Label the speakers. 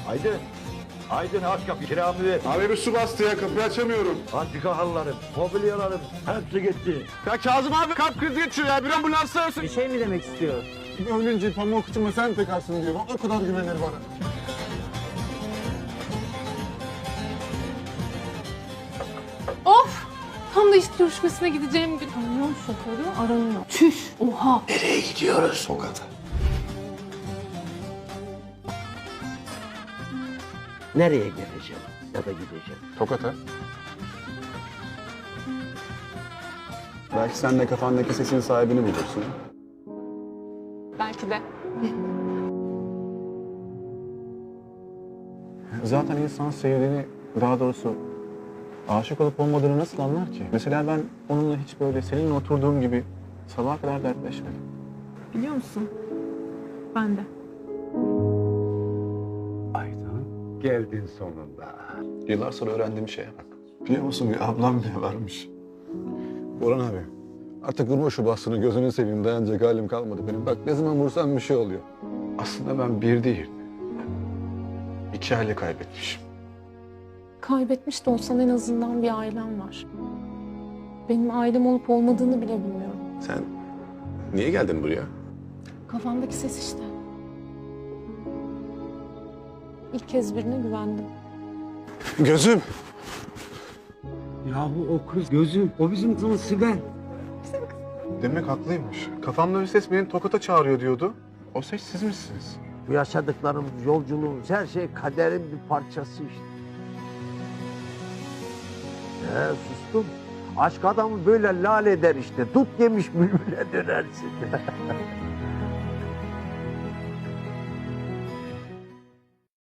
Speaker 1: Aydın. Aydın aç kapıyı, kiramı ver.
Speaker 2: Abi bir su bastı ya, kapıyı açamıyorum.
Speaker 1: Antika halılarım, mobilyalarım hepsi gitti.
Speaker 2: Ya Kazım abi kalp krizi geçiyor ya, bir ambulans arasın.
Speaker 3: Bir şey mi demek istiyor?
Speaker 2: Ölünce pamuk içime sen tekarsın diyor. O kadar güvenir bana.
Speaker 4: Of! Tam da iş görüşmesine gideceğim gün. Kamyon şoförü aranıyor. Çüş! Oha!
Speaker 1: Nereye gidiyoruz?
Speaker 2: Tokat'a.
Speaker 1: Nereye geleceğim ya da gideceğim?
Speaker 2: Tokat'a. Belki sen de kafandaki sesin sahibini bulursun.
Speaker 4: Belki de.
Speaker 2: Zaten insan sevdiğini, daha doğrusu aşık olup olmadığını nasıl anlar ki? Mesela ben onunla hiç böyle seninle oturduğum gibi sabaha kadar dertleşmedim.
Speaker 4: Biliyor musun? Ben de.
Speaker 5: Aydın, geldin sonunda.
Speaker 2: Yıllar sonra öğrendiğim şeye bak. Biliyor musun, bir ablam bile varmış. Orhan abi, artık vurma şu bastını, gözünü seveyim, dayanacak halim kalmadı benim. Bak ne zaman vursam bir şey oluyor. Aslında ben bir değil, 2 aile kaybetmişim.
Speaker 4: Kaybetmiş de olsan en azından bir ailem var. Benim ailem olup olmadığını bile bilmiyorum.
Speaker 2: Sen niye geldin buraya?
Speaker 4: Kafamdaki ses işte. İlk kez birine güvendim.
Speaker 2: Gözüm!
Speaker 5: Yahu o kız gözüm, o bizim kızımız Sibel.
Speaker 2: Demek haklıymış. Kafamda bir ses beni Tokat'a çağırıyor diyordu. O ses siz misiniz?
Speaker 1: Bu yaşadıklarımız, yolculuğumuz, her şey kaderin bir parçası işte. Sustum. Aşk adamı böyle lal eder işte. Dut yemiş bülbüle dönersin.